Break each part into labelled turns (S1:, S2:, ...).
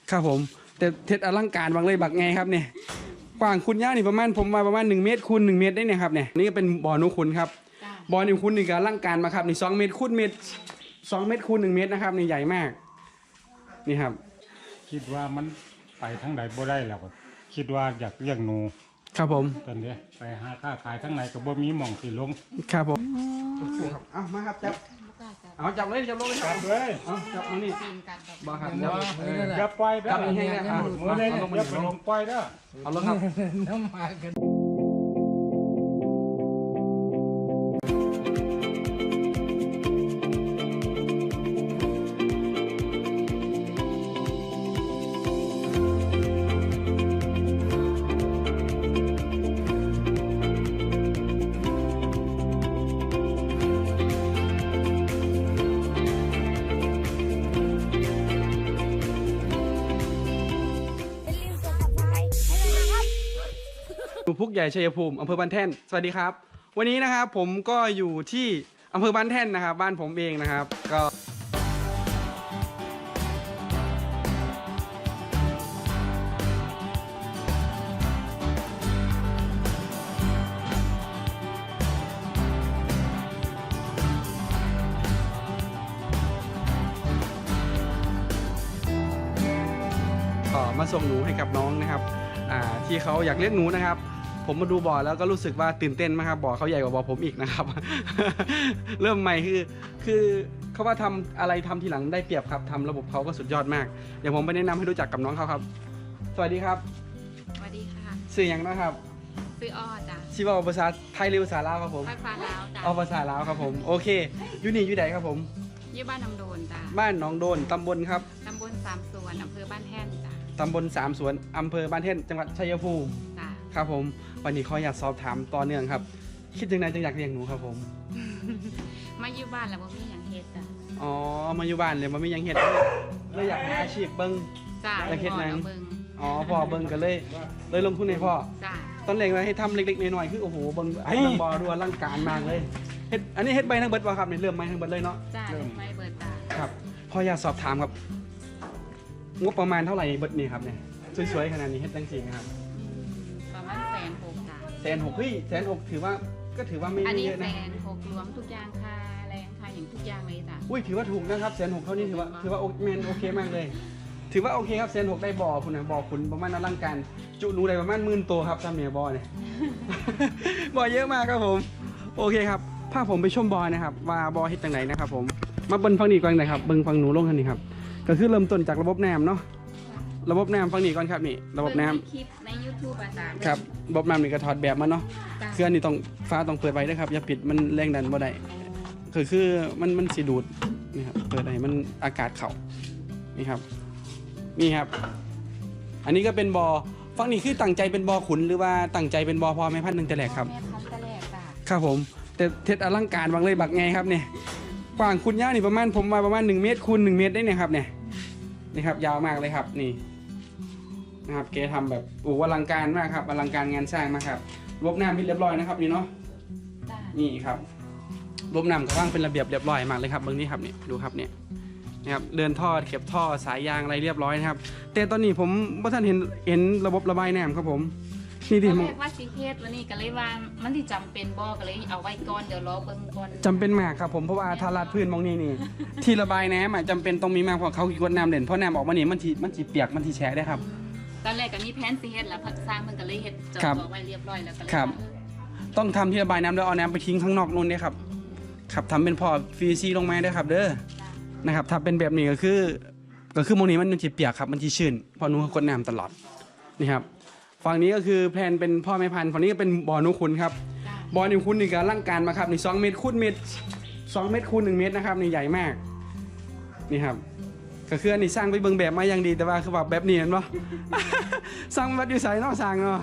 S1: ครับผมแต่เท็ดอลังการบางเลยบักไงครับเนี่ยกว้างคุณย่านี่ประมาณผมมาประมาณ1 เมตรคูณ1 เมตรได้เนี่ยครับเนี่ยนี่ก็เป็นบ่อนุคุณครับบ่อนุคุณนี่ก็อลังการมาครับนี่2 เมตรคูณเมตร2 เมตรคูณ1 เมตรนะครับนี่ใหญ่มากนี่ครับ
S2: คิดว่ามันไปทั้งไหนบ่ได้แล้วก็คิดว่าอยากเลี้ยงหนู
S1: ครับผม
S2: ตอนนี้ไปหาค้าขายทั้งไหนก็บ่มีหม่องสิลง
S1: ครับผมเอามาครับจับเอาจับเลยจับลงเลยครับ
S2: เลย
S1: เอาจับมานี่บ่ครับจับ
S2: อย่าปล่อยเด้อ
S1: จับให้ได้ครับ
S2: มือเลยอย่าไปลงปล่อยเด้อ
S1: เอาลงครับ
S3: น้ำมากัน
S1: พุกใหญ่ชัยภูมิอำเภอบ้านแท่นสวัสดีครับวันนี้นะครับผมก็อยู่ที่อำเภอบ้านแท่นนะครับบ้านผมเองนะครับก็มาส่งหนูให้กับน้องนะครับที่เขาอยากเลี้ยงหนูนะครับผมมาดูบ่อแล้วก็รู้สึกว่าตื่นเต้นมากครับบ่อเขาใหญ่กว่าบ่อผมอีกนะครับ เริ่มใหม่คือเขาว่าทำอะไรทำทีหลังได้เปรียบครับทำระบบเขาก็สุดยอดมากเดี๋ยวผมไปแนะนำให้รู้จักกับน้องเขาครับสวัสดีครับ
S4: สวัสดีค่ะ
S1: ชื่อยังนะครับ
S4: ชื่ออ้อจ้ะ
S1: ชื่อว่าภาษาไทยหรือภาษาลาวครับผม
S4: ภาษาลาวจ้ะ
S1: เอาภาษาลาวครับผมโอเคอยู่นี่อยู่ไหนครับผม
S4: อยู่บ้านน้ำโดนจ้ะ
S1: บ้านหนองโดนตำบลครับ
S4: ตำบลสามสวนอำเภอบ้านแท่นจ้ะ
S1: ตำบลสามสวนอำเภอบ้านแท่นจังหวัดชัยภูมิ
S4: จ้ะ
S1: ครับผมวันนี้ขออยากสอบถามต่อเนื่องครับคิดยังไงจึงอยากเลี้ยงหนูครับผม
S4: มาอยู่บ้านแล้วบ่มีหยังเฮ็ดจ้ะ
S1: อ๋อมาอยู่บ้านเลยมันไม่ยังเฮ็ดเลยอยากหาอาชีพเบิ้ง
S4: จ้ะ
S1: อยากเฮ็ดหนัง
S4: เบิ่ง
S1: อ๋อพ่อเบิ้งกันเลยลงทุนให้พ่อ
S4: จ้ะ
S1: ตอนแรกว่าให้ทำเล็กๆน้อยๆคือโอ้โหเบิ้งไอ้เบิ้งบ่อดูอลังการมากเลยเฮ็ดอันนี้เฮ็ดใบทั้งเบิดบ่ครับนี่เริ่มใบทั้งเบิดเลยเนาะ
S4: จ้ะไม่เบิดจ้ะ
S1: ครับพออยากสอบถามครับงบประมาณเท่าไหร่เบิดนี่ครับเนี่ยสวยๆขนาดนี้เฮ็ดจังซี่นะครับ
S4: ประมาณ160,000จ้ะ
S1: 160,000เฮ้ย160,000ถือว่าไม่เยอะนะ
S4: อันนี้160,000รวมทุกอย่างค่าแรงค่าอย่างทุกอย่างเลยจ้ะ
S1: อุ้ยถือว่าถูกนะครับ160,000เท่านี้ถือว่าโอเคมากเลยถือว่าโอเคครับ160,000ได้บ่อคุณนะบ่อคุณประมาณอลังการจุหนูได้ประมาณ10,000ตัวครับซ้ำเนี่ยบ่อเนี่ย บ่อเยอะมากครับผมโอเคครับพาผมไปชมบ่อนะครับว่าบ่อเฮ็ดจังไหนนะครับผมมาเบิ่งฝั่งนี้ก่อนเลยครับเบิ่งฝั่งหนูลงกันนี่ครับก็คือเริ่มต้นจากระบบน้ำเนาะระบบน้ำฝั่งนี้ก่อนครับนี่ระบบน้ำ
S4: คลิปใน YouTube อาจารย์
S1: ครับระบบน้ำนี่ก็ถอดแบบมาเนาะเครื่องนี่ต้องฟ้าต้องเปิดไว้ด้วยครับอย่าปิดมันแรงดันบ่ได้คือมันสิดูดนี่ครับเปิดให้มันอากาศเข้านี่ครับนี่ครับอันนี้ก็เป็นบ่อฝั่งนี้คือตั้งใจเป็นบ่อขุนหรือว่าตั้งใจเป็นบ่อพอแม่พันธุ์หนึ่งแต่แรกครับ
S4: แม่พันธุ์แต่แรกจ้ะ
S1: ครับผมแต่เท็ดอลังการบางเลยบักไงครับเนี่ยกว้างคุณย่านี่ประมาณผมมาประมาณ1 เมตรคูณ1 เมตรได้เนี่ยครับเนี่ยนี่ครับยาวมากเลยครับนี่นะครับเกทำแบบอลังการมากครับอลังการงานสร้างมากครับระบบน้ำเรียบร้อยนะครับนี่เนาะนี่ครับระบบน้ำก็ว่างเป็นระเบียบเรียบร้อยมากเลยครับเบื้องนี้ครับนี่ดูครับเนี่ยนะครับเดินท่อเก็บท่อสายยางอะไรเรียบร้อยนะครับแต่ตอนนี้ผมว่าท่านเห็นระบบระบายน้ำครับผมนี่ดิ
S4: ตอนแรกว่าสิเฮ็ดวันนี้ก็เลยว่ามันที่จำเป็นบ่ก็เลยเอาไว้ก่อนเดี๋ยวรอเบิ่งก่อน
S1: จำเป็นมากครับผมเพราะว่าทาราดพื้นมองนี่ที่ระบายน้ำจำเป็นต้องมีมากเพราะเขากดน้ำเด่นเพราะน้ำออกมานี่มันทีเปียกมันทีแฉะได้ครับ
S4: ตอนแรกก็มีแผนสิเฮ็ดแล้วสร้างมันก็เลยเฮ็ดจอดไว้เรียบร้อยแล้วก็เลย
S1: ครับต้องทำที่ระบายน้ำแล้วเอาน้ำไปทิ้งข้างนอกนู่นเนี่ยครับครับทำเป็นพอฟีซีลงมาได้ครับเด้อนะครับถ้าเป็นแบบนี้ก็คือโมนี้มันจะเปียกครับมันจะชื้นเพราะหนูกดน้ำตลอดนี่ครับฝั่งนี้ก็คือแพลนเป็นพ่อแม่พันธุ์ฝั่งนี้ก็เป็นบ่อนุคุณครับบ่อนุคุณนี่ก็ร่างการมาครับนี่2 เมตรคูณ1 เมตรคูณ1 เมตรนะครับนี่ใหญ่มากนี่ครับก็คืออันนี้สร้างไปเบิ่งแบบมาอย่างดีแต่ว่าคือแบบนี้เห็นปะ สร้างวัดอยู่ใส่นอกสร้างเนาะ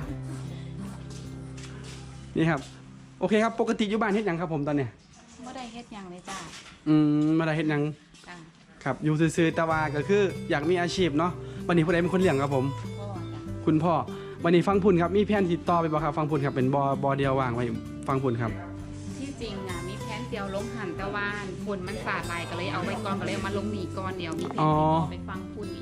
S1: นี่ครับโอเคครับปกติอยู่บ้านเฮ็ดหยังครับผมตอนเนี้ย
S4: ไม่ได้เฮ็ดหยังเลยจ้า
S1: ไม่ได้เฮ็ดหยังครับอยู่ซื่อๆแต่ว่าก็คืออยากมีอาชีพเนาะวันนี้ผู้ใดเป็นคนเลี้ยงครับผมคุณพ่อวันนี้ฟังพุ่นครับมีแผนติดต่อไปบ่ครับฟังพุ่นครับเป็นบ่อเดียววางไว้ฟังพุ่นครับ
S4: ที่จริงอ่ะมีแผนเดียวลงหันตะวันพุ่นมันสาดลายก็เลยเอาไว้ก่อนก็เลยมาลงหนีก่อนเดียวมีแผนไปฟังพุ่นอีกจ้ะ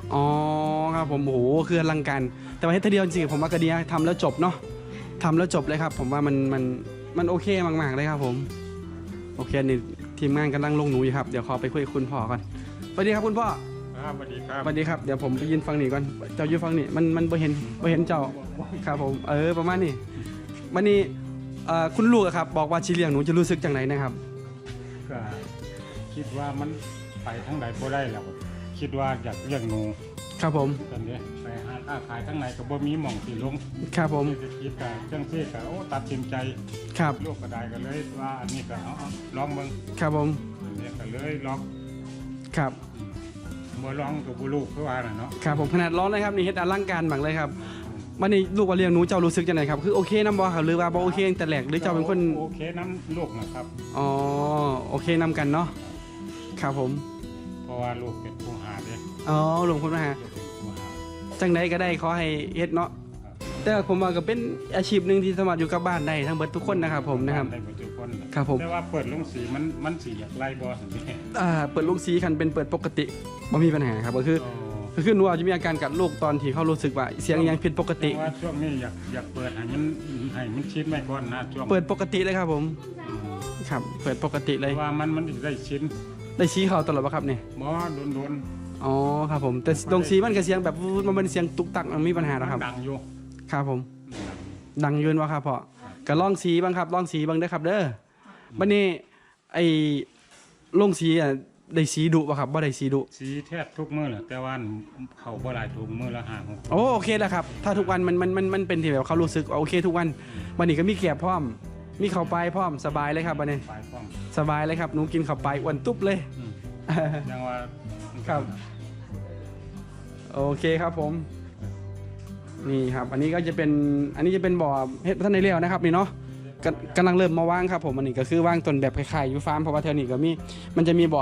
S1: อ๋อครับผมโอ้โหคืออลังการแต่ว่าเฮ็ดทีเดียวจริงๆผมว่าก็ดีนะทำแล้วจบเนาะทำแล้วจบเลยครับ ผมว่ามันโอเคมากๆเลยครับผมโอเคนี่ทีมงานกำลังลงหนูอยู่ครับเดี๋ยวขอไปคุยกับคุณพ่อก่อนสวัสดีครับคุณพ่อ
S2: ครับสวัสดีครับ
S1: สวัสดีครับเดี๋ยวผมไปยืนฟังนี่ก่อนเจ้ายืนฟังนี่มันบ่เห็นเจ้าครับผมประมาณนี้วันนี้คุณลูกอะครับบอกว่าชีเลี้ยงหนูจะรู้สึกจังไหนนะครับ
S2: ก็คิดว่ามันไปทั้งใดบ่ได้แล้วคิดว่าอยากเลี้ยงหนู
S1: ครับผม
S2: ตอนนี้ไปหาค้าขายทั้งไหนก็บ่มีหม่องสิลง
S1: ครับผม
S2: เศรษฐกิจก็จังซี่ก็โอ้ตัดสินใจ
S1: ครับ
S2: ลูกก็ได้ก็เลยว่าอันนี้ก็เอาลองเบิ่ง
S1: ครับผม
S2: อันนี้ก็เลยลอง
S1: ครับ
S2: บ่ลองก็บ่รู้คือว่าน่ะเนาะ
S1: ครับผมขนาดร้อนเลยครับนี่เฮ็ดอลังการบังเลยครับวันนี้ลูกว่าเลี้ยงหนูเจ้ารู้สึกจังไหนครับคือโอเคนํบ่ครับหรือว่าบ่โอเคตั้งแต่แรกหรือเจ้าเป็นคน
S2: โอเคน้ำลูกนะครับ
S1: อ๋อโอเคนำกันเนาะครับผม
S2: เพราะว่าลูกเป็นผู้หาเด้
S1: อ๋อหลวงคุณมาหา
S2: ลูกเป็นผู้หา
S1: จังใดก็ได้ขอให้เฮ็ดเนาะแต่ผมว่าก็เป็นอาชีพหนึงที่สามารถอยู่กับบ้านได้ทั้งเบิดทุกคนนะครับผมนะครับ
S2: ได้หมดทุกคน
S1: ครับผม
S2: แต่ว่าเปิดลงสีมันสีอยากไล่บ่ซั่นนี่
S1: เปิดลูกสีคันเป็นเปิดปกติบ่มีปัญหาครับก็คือหนูอาจจะมีอาการกัดลูกตอนที่เขารู้สึกว่าเสียงยังผิดปกติ
S2: แต่ว่าช่วงนี้อยากเปิดให้มันชิดไม่ก่อนนะช่วง
S1: เปิดปกติเลยครับผมครับเปิดปกติเลย
S2: ว่ามันได้ชิ้น
S1: ได้ชี้เขาตลอดป่ะครับเนี่ย
S2: บ่โดน
S1: อ๋อครับผมแต่ลงสีมันก็เสียงแบบมันเป็นเสียงตุกตักมันมีปัญหาแล้วครับ
S2: ดังอยู่
S1: ครับผม ดังยืนวะครับพ่อก็ลองสีบ้างครับลองสีบ้างเด้อครับเด้อบัดนี้ไอ้ลงสีอ่ะได้สีดุป่ะครับบ่ได้สีดุ
S2: สีแทบทุกมื้อแหละแต่ว่าเขาบ่หลายถุงมื้อละ5 6
S1: โอเคแล้วครับ ถ้าทุกวันมันเป็นที่แบบเขารู้สึกโอเคทุกวันวันนี้ก็มีแกบพร้อม มีข้าวไปพร้อมสบายเลยครับบัดนี้
S2: ปลายป้อง
S1: สบายเลยครับหนูกินข้าวไปอ้วนตุ๊บเลย
S2: ยังว่า
S1: ครับ โอเคครับผม นี่ครับ อันนี้จะเป็นบ่อเฮ็ดท่านในเลี้ยวนะครับนี่เนาะกำลังเริ่มมาว่างครับผมอันนี้ก็คือว่างต้นแบบคล้ายๆอยู่ฟาร์มเพราะว่าแถวนี้ก็มันจะมีบ่อ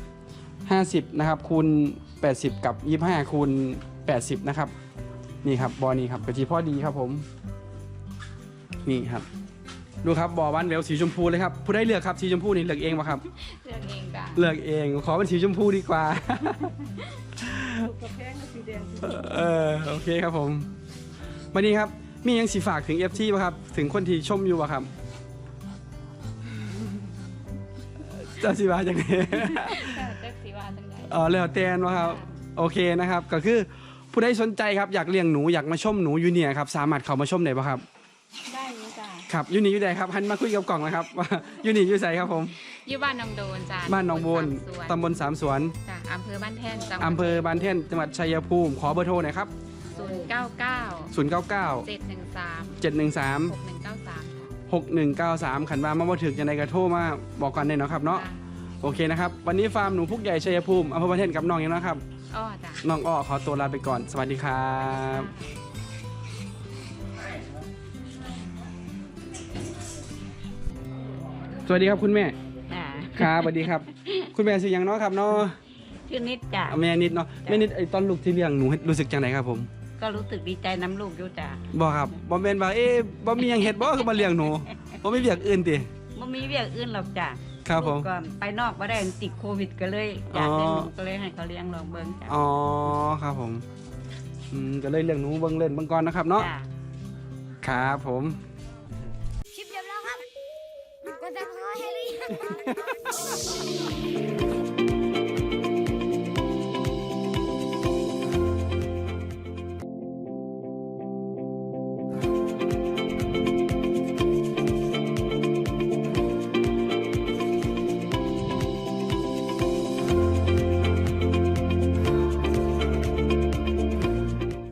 S1: 50นะครับคูณ80กับ25คูณ80นะครับนี่ครับบ่อนี้ครับกะทิพอดีครับผมนี่ครับดูครับบ่อบ้านแววสีชมพูเลยครับผู้ได้เลือกครับสีชมพูนี่เลือกเองป่ะครับ
S4: เลือกเองจ้ะ
S1: เลือกเองขอเป็นสีชมพูดีกว่า โอเคครับผมวันนี้ครับมียังสีฝากถึง FT ป่ะครับถึงคนที่ชมอยู่ป่ะครับจะสีว่าจังไง
S4: เลือกสีว่าจังได
S1: แล้วแต่นป่ะครับโอเคนะครับก็คือผู้ใดสนใจครับอยากเลี้ยงหนูอยากมาชมหนูอยู่เนี่ยครับสามารถเข้ามาชมได้ป่ะครับ
S4: ได้อยู่จ้ะ
S1: ครับอยู่นี่อยู่ไหนครับหันมาคุยกับกล่องนะครับว่าอยู่นี่อยู่ไสครับผม
S4: อยู่บ้านหนองโดนจ้ะ
S1: บ้านหนองโบนตำบลสามสวน
S4: จ้ะอำเภอบ้านแท่นจังหวัด
S1: อำเภอบานเท่นจังหวัดชัยภูมิขอเบอร์โทรหน่อยครับ
S4: 099
S1: 099
S4: 713
S1: 713
S4: 6193
S1: 6193ขันว่ามาบ่ถึงยังไงก็โทรมาบอกกันได้เนาะครับเนาะโอเคนะครับวันนี้ฟาร์มหนูพุกใหญ่ชัยภูมิอำเภอบานเท่นกับน้องอย่างนะครับ
S4: อ้อจ้ะ
S1: น้องอ้อขอตัวลาไปก่อนสวัสดีครับ สวัสดีครับคุณแม่
S3: จ้ะ
S1: ครับสวัสดีครับ คุณแม่ชื่อหยังเนาะครับเนาะ
S3: ชื่อนิดจ้ะ
S1: แม่นิดเนาะแม่นิดไอ้ตอนลูกที่เลี้ยงหนูรู้สึกจังไหนครับผม
S3: ก็รู้สึกดีใจน้ำลูกอยู่จ้ะ
S1: บ่ครับบ่แม่นว่าบ่มีหยังเฮ็ดบ่คือมาเลี้ยงหนูบ่มีเวียกอื่นติ
S3: ไม่มีเวียกอื่นหรอกจ้ะ
S1: ครับผม
S3: ลูกก็ไปนอกมาได้ติดโควิดก็เลยอยากเลี้ยงหนูก็เลยให้เขาเลี้ยงลองเบิ้งจ้ะ
S1: อ๋อครับผมก็เลยเลี้ยงหนูเบิ่งเล่นเบิ่งก่อนนะครับเนาะ
S3: จ้ะ
S1: ครับผม
S5: คลิปจบแล้วครับ กดซับสไครต์ให้หรือยัง